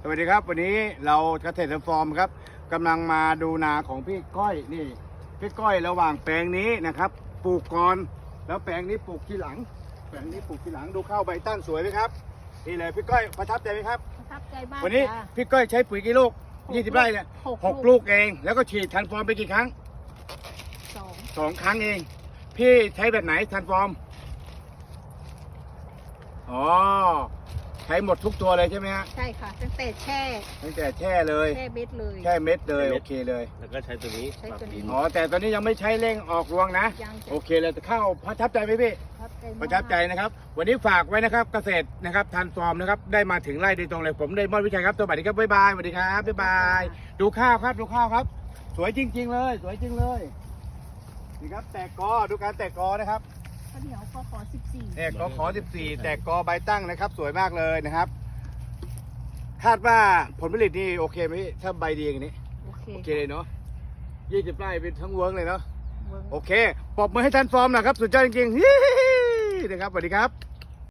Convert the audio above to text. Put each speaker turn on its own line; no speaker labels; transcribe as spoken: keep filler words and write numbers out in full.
สวัสดีครับวันนี้เราเกษตรฟอร์มครับกำลังมาดูนาของพี่ก้อยนี่พี่ก้อยระหว่างแปลงนี้นะครับปลูกก่อนแล้วแปลงนี้ปลูกทีหลังแปลงนี้ปลูกทีหลังดูข้าวใบตั้งสวยไหมครับนี่เลยพี่ก้อยประทับใจไหมครับ
ประทับใจมาก
วันนี้
จ้ะ
พี่ก้อยใช้ปุ๋ยกี่ลูกยี่สิบไร่เนี่ย
หก
หกลูกเองแล้วก็ฉีดทันฟอร์มไปกี่ครั้ง
สอง
สองครั้งเองพี่ใช้แบบไหนทันฟอร์มอ๋อใช้หมดทุกตัวเลยใช่ไหมฮะ
ใช่ค่ะตั้งแต่แช่
ตั้งแต่แช่เลย
แช่เม็ดเลย
แค่เม็ดเลยโอเคเลย
แล้วก็ใช้ตัวนี้
ใช้
ปรับ
ตัวนี้
ดิน
อ๋อแต่ตอนนี้ยังไม่ใช้เร่งออกรวงนะ
ยังจะ
โอเคเลยแต่ข้าวประทับใจไหมพี่
ประทับใจมาก
ประทับใจนะครับ วันนี้ฝากไว้นะครับเกษตรนะครับทันฟอร์มนะครับได้มาถึงไร่โดยตรงเลยผมได้มอดวิชัยครับสวัสดีครับบ๊ายบายสวัสดีครับบ๊ายบายดูข้าวครับดูข้าวครับ สวยจริง ๆ เลย สวยจริงเลยนี่ครับแตกกอดูการแตกกอนะครับ
ข้าวเหนียวก็ขอสิบสี่
แตกกอขอสิบสี่แตกกอใบตั้งนะครับ สวยมากเลยนะครับ คาดว่าผลผลิตนี่โอเคไหมพี่ถ้าใบดีอย่างนี้
โอเค
โอเคเลยเนาะยี่สิบไร่เป็นทั้งเวิร์กเลยเนาะ
เวิร์ก
โอเคปรบมือให้ทันฟอร์มหนะครับ สุดยอดจริงๆฮิฮิฮินะครับ สวัสดีครับ